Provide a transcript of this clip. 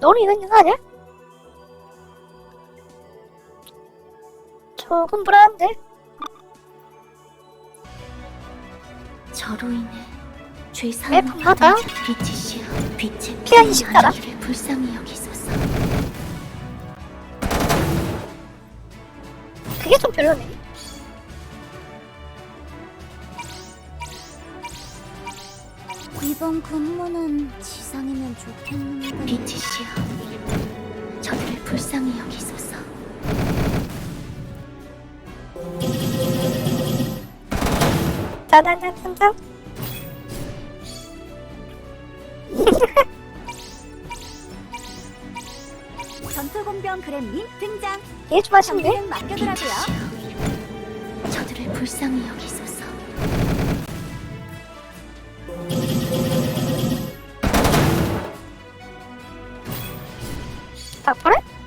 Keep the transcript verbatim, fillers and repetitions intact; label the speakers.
Speaker 1: 너는 이거 있는 거 아니야? 조금 불안한데?
Speaker 2: 저로 인해 죄사함을
Speaker 1: 애품하다.
Speaker 2: 받은 빛이시여, 빛의
Speaker 1: 피가 이십 달아?
Speaker 2: 아기를 불쌍히 여기소서.
Speaker 1: 그게 좀 별로네.
Speaker 3: 이번 근무는 지상이면 좋겠는데.
Speaker 2: 빛이시여, 저들을 불쌍히 여기소서.
Speaker 1: 짜잔짠짠짠.
Speaker 3: 전투공병 그램님 등장.
Speaker 1: 얘 좀 하시는데?
Speaker 3: 정리는 맡겨두라고요.
Speaker 2: 빛이시여, 저들을 불쌍히 여기소서.
Speaker 1: 딱 그래?